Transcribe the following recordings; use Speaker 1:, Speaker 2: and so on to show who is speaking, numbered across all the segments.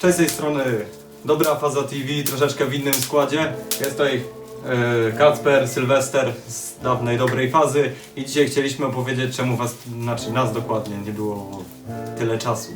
Speaker 1: Cześć, z tej strony Dobra Faza TV, troszeczkę w innym składzie. Jest tutaj Kacper, Sylwester z dawnej Dobrej Fazy i dzisiaj chcieliśmy opowiedzieć, czemu was, znaczy nas dokładnie, nie było tyle czasu.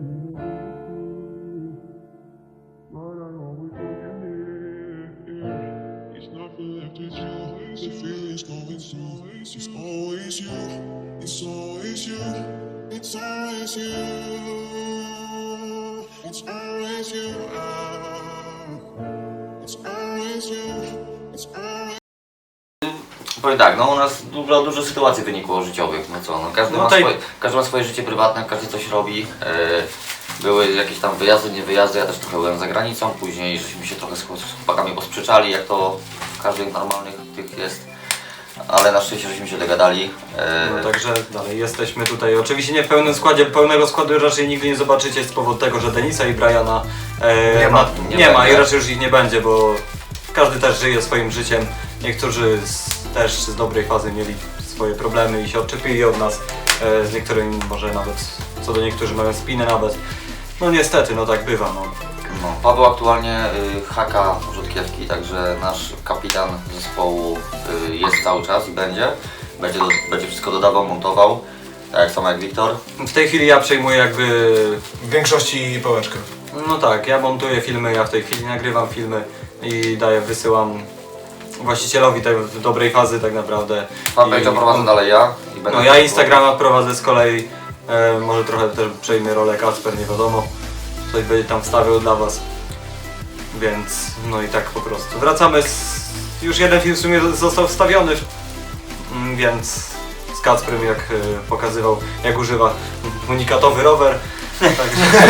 Speaker 2: Powiem tak, no u nas dużo sytuacji wynikło życiowych, no co, no każdy ma swoje życie prywatne, każdy coś robi. Były jakieś tam wyjazdy, nie wyjazdy, ja też trochę byłem za granicą, później żeśmy się trochę z chłopakami posprzeczali, jak to w każdych normalnych tych jest. Ale na szczęście żeśmy się dogadali.
Speaker 1: No także dalej jesteśmy tutaj, oczywiście nie w pełnym składzie, pełnego składu raczej nigdy nie zobaczycie z powodu tego, że Denisa i Briana nie ma i raczej już ich nie będzie, bo każdy też żyje swoim życiem. Niektórzy też z Dobrej Fazy mieli swoje problemy i się odczepili od nas, z niektórymi może nawet, co do niektórych mają spinę nawet. No niestety, no tak bywa.
Speaker 2: No, Paweł aktualnie haka rzutkiewki, także nasz kapitan zespołu jest cały czas i będzie wszystko dodawał, montował, tak samo jak Wiktor.
Speaker 1: W tej chwili ja przejmuję jakby...
Speaker 3: W większości pałeczkę.
Speaker 1: No tak, ja montuję filmy, ja w tej chwili nagrywam filmy i wysyłam właścicielowi tej Dobrej Fazy tak naprawdę.
Speaker 2: Fanpage'a prowadzę dalej ja.
Speaker 1: No ja Instagrama prowadzę z kolei, może trochę też przejmie rolę Kacper, nie wiadomo. Coś będzie tam wstawiał dla was. Więc no i tak po prostu. Wracamy już jeden film w sumie został wstawiony, więc z Kacprem jak pokazywał, jak używa unikatowy rower. Także...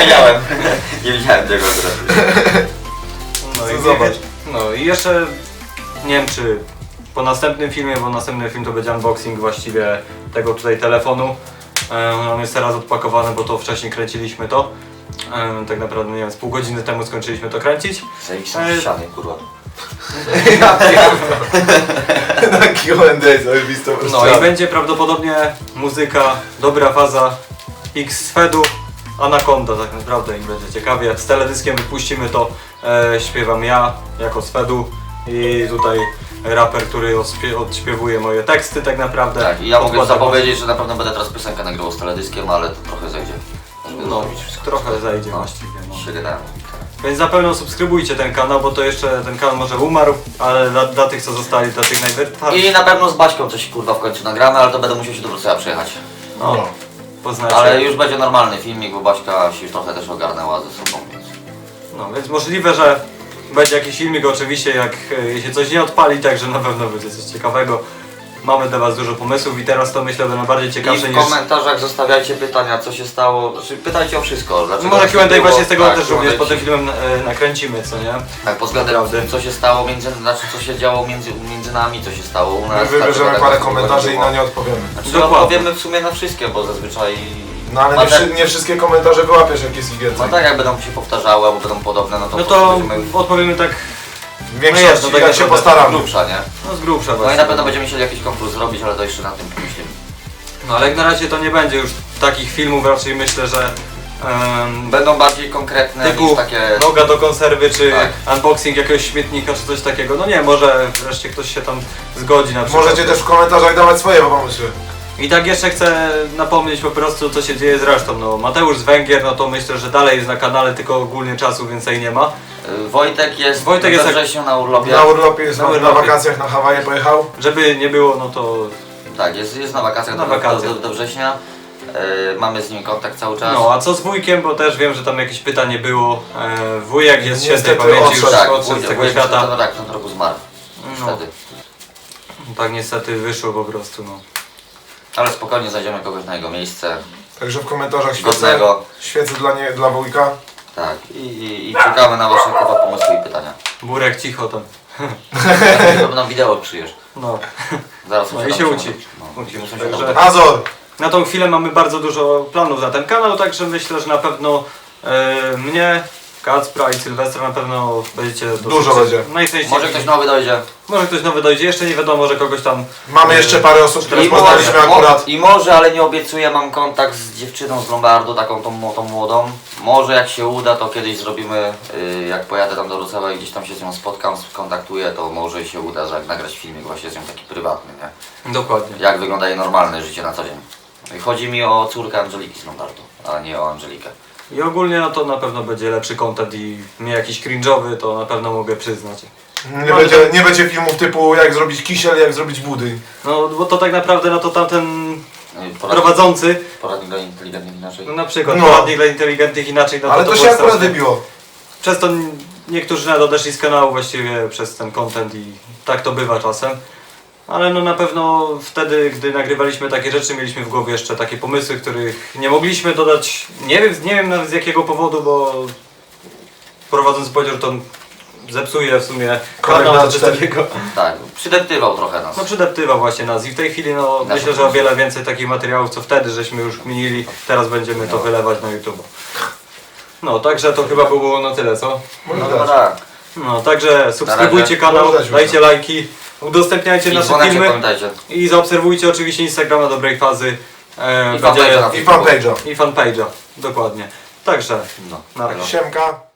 Speaker 2: nie widziałem tego teraz.
Speaker 1: No i
Speaker 3: zobacz.
Speaker 1: No i jeszcze nie wiem czy po następnym filmie, bo następny film to będzie unboxing właściwie tego tutaj telefonu. On jest teraz odpakowany, bo to wcześniej kręciliśmy to. Tak naprawdę nie wiem, z pół godziny temu skończyliśmy to kręcić.
Speaker 2: Zajebiście ściany, kurwa.
Speaker 3: Na Q&A zajebistą
Speaker 1: No i będzie prawdopodobnie muzyka Dobra Faza X Fedu Anaconda tak naprawdę i będzie ciekawie. Z teledyskiem wypuścimy to, śpiewam ja jako Swedu i tutaj raper, który odśpiewuje moje teksty tak naprawdę.
Speaker 2: Tak, i ja mogę zapowiedzieć, że na pewno będę teraz piosenkę nagrywał z teledyskiem, ale to trochę zejdzie.
Speaker 1: No, trochę zajdzie właściwie. No.
Speaker 2: Się gadałem.
Speaker 1: Więc na pewno subskrybujcie ten kanał, bo to jeszcze ten kanał może umarł, ale dla tych co zostali, dla tych najbardziej.
Speaker 2: I na pewno z Baćką coś kurwa w końcu nagramy, ale to będę musiał się do Wrocławia przyjechać.
Speaker 1: No, poznacie.
Speaker 2: Ale już będzie normalny filmik, bo Baćka się trochę też ogarnęła ze sobą, więc...
Speaker 1: No, więc możliwe, że będzie jakiś filmik oczywiście, jak się coś nie odpali, także na pewno będzie coś ciekawego. Mamy dla was dużo pomysłów i teraz to myślę będą bardziej ciekawsze
Speaker 2: I w
Speaker 1: niż...
Speaker 2: komentarzach zostawiajcie pytania, co się stało, znaczy pytajcie o wszystko.
Speaker 1: No może Q&A właśnie z tego
Speaker 2: tak,
Speaker 1: też również po tym filmem nakręcimy, co nie?
Speaker 2: Tak, pod względem co się stało co się działo między nami, co się stało u nas.
Speaker 3: My wybierzemy
Speaker 2: tak,
Speaker 3: parę
Speaker 2: tak,
Speaker 3: komentarzy i
Speaker 2: było.
Speaker 3: na nie odpowiemy.
Speaker 2: Znaczy
Speaker 1: Dokładnie.
Speaker 2: odpowiemy w sumie na wszystkie, bo zazwyczaj...
Speaker 3: No ale nie wszystkie komentarze wyłapiesz, jak jest ich więcej.
Speaker 2: No tak, jak będą się powtarzały albo będą podobne, no to
Speaker 1: No
Speaker 2: po prostu
Speaker 1: to
Speaker 2: będziemy...
Speaker 1: odpowiemy tak,
Speaker 3: W większości,
Speaker 1: no tak
Speaker 3: jak się
Speaker 1: naprawdę
Speaker 3: postaramy.
Speaker 2: grubsza, nie?
Speaker 1: no z grubsza
Speaker 2: No i
Speaker 1: właśnie.
Speaker 2: na pewno będziemy musieli jakiś konkurs zrobić, ale to jeszcze na tym pomyślimy.
Speaker 1: No ale jak na razie to nie będzie już takich filmów, raczej myślę, że...
Speaker 2: Będą bardziej konkretne
Speaker 1: typu
Speaker 2: niż takie...
Speaker 1: noga do konserwy, czy
Speaker 2: Tak.
Speaker 1: unboxing jakiegoś śmietnika, czy coś takiego. No nie, może wreszcie ktoś się tam zgodzi na przykład.
Speaker 3: Możecie też w komentarzach dawać swoje pomysły.
Speaker 1: I tak jeszcze chcę napomnieć po prostu, co się dzieje z resztą. No, Mateusz z Węgier, no to myślę, że dalej jest na kanale, tylko ogólnie czasu więcej nie ma.
Speaker 2: Wojtek jest
Speaker 1: we
Speaker 2: wrześniu na urlopie.
Speaker 3: Na urlopie jest,
Speaker 1: Na
Speaker 3: na
Speaker 1: urlopie.
Speaker 3: wakacjach na Hawaje pojechał.
Speaker 1: Żeby nie było, no to...
Speaker 2: Tak, jest na wakacjach,
Speaker 1: Na wakacjach.
Speaker 2: do września. Mamy z nim kontakt cały czas.
Speaker 1: No, a co z wujkiem, bo też wiem, że tam jakieś pytanie było. Wujek jest świętej
Speaker 3: Niestety
Speaker 1: pamięci, już
Speaker 3: odszedł.
Speaker 1: odszedł z tego
Speaker 2: wujek
Speaker 1: świata.
Speaker 2: No tak, w tym roku zmarł.
Speaker 1: No.
Speaker 2: Niestety.
Speaker 1: Tak niestety wyszło po prostu, no.
Speaker 2: Ale spokojnie znajdziemy kogoś na jego miejsce.
Speaker 3: Także w komentarzach
Speaker 2: Godnego.
Speaker 3: świecę dla wujka.
Speaker 2: Tak, i czekamy na wasze kurwa pomysły i pytania.
Speaker 1: Burek cicho tam.
Speaker 2: To nam wideo przyjesz.
Speaker 1: No.
Speaker 2: Zaraz
Speaker 1: No
Speaker 2: muszę
Speaker 1: i się
Speaker 2: tam
Speaker 1: uci.
Speaker 2: No,
Speaker 1: Uci.
Speaker 2: muszę się
Speaker 1: Także-
Speaker 2: tam...
Speaker 3: Azor!
Speaker 1: Na tą chwilę mamy bardzo dużo planów na ten kanał, także myślę, że na pewno mnie Kacpra i Sylwestra na pewno będziecie
Speaker 3: Dużo będzie.
Speaker 1: Najczęściej.
Speaker 2: Może ktoś nowy dojdzie.
Speaker 1: Może ktoś nowy dojdzie, jeszcze nie wiadomo, że kogoś tam...
Speaker 3: Mamy jeszcze parę osób, które
Speaker 2: I
Speaker 3: poznaliśmy akurat.
Speaker 2: I może, ale nie obiecuję, mam kontakt z dziewczyną z Lombardu, taką tą młodą. Może jak się uda, to kiedyś zrobimy, jak pojadę tam do Wrocławia i gdzieś tam się z nią spotkam, skontaktuję, to może się uda nagrać filmik właśnie z nią taki prywatny, nie?
Speaker 1: Dokładnie.
Speaker 2: Jak wygląda jej normalne życie na co dzień. I chodzi mi o córkę Angeliki z Lombardu, a nie o Angelikę.
Speaker 1: I ogólnie no to na pewno będzie lepszy content i nie jakiś cringe'owy, to na pewno mogę przyznać.
Speaker 3: Nie będzie filmów typu jak zrobić kisiel, jak zrobić budy.
Speaker 1: No bo to tak naprawdę, no to tamten prowadzący,
Speaker 2: Poradnik dla inteligentnych inaczej.
Speaker 1: no na przykład
Speaker 3: No.
Speaker 1: poradnik dla inteligentnych inaczej, no
Speaker 3: Ale to
Speaker 1: było
Speaker 3: się akurat
Speaker 1: straszne.
Speaker 3: wybiło.
Speaker 1: Przez to niektórzy nawet odeszli z kanału właściwie przez ten content i tak to bywa czasem. Ale no na pewno wtedy, gdy nagrywaliśmy takie rzeczy, mieliśmy w głowie jeszcze takie pomysły, których nie mogliśmy dodać. Nie wiem nawet z jakiego powodu, bo prowadzący powiedział, że to zepsuje w sumie kanał
Speaker 3: Kolejna
Speaker 1: czy coś
Speaker 3: cztery.
Speaker 1: takiego.
Speaker 2: Tak, przydeptywał trochę nas.
Speaker 1: No przydeptywał właśnie nas i w tej chwili no
Speaker 2: Nasze
Speaker 1: myślę, że o wiele więcej takich materiałów, co wtedy żeśmy już kminili, teraz będziemy to wylewać na YouTube. No także to chyba było na tyle, co?
Speaker 3: Może
Speaker 2: No
Speaker 3: dać.
Speaker 2: tak.
Speaker 1: No także subskrybujcie
Speaker 2: razie.
Speaker 1: kanał,
Speaker 3: Może dać
Speaker 1: dajcie
Speaker 3: już.
Speaker 1: lajki, udostępniajcie
Speaker 2: I
Speaker 1: nasze
Speaker 2: dzwoneczek
Speaker 1: filmy
Speaker 2: pamiętajcie.
Speaker 1: i zaobserwujcie oczywiście Instagrama Dobrej Fazy.
Speaker 2: I fanpage'a na
Speaker 3: I fanpage'a.
Speaker 1: i fanpage'a, dokładnie. Także
Speaker 2: No.
Speaker 1: na razie.
Speaker 3: Siemka.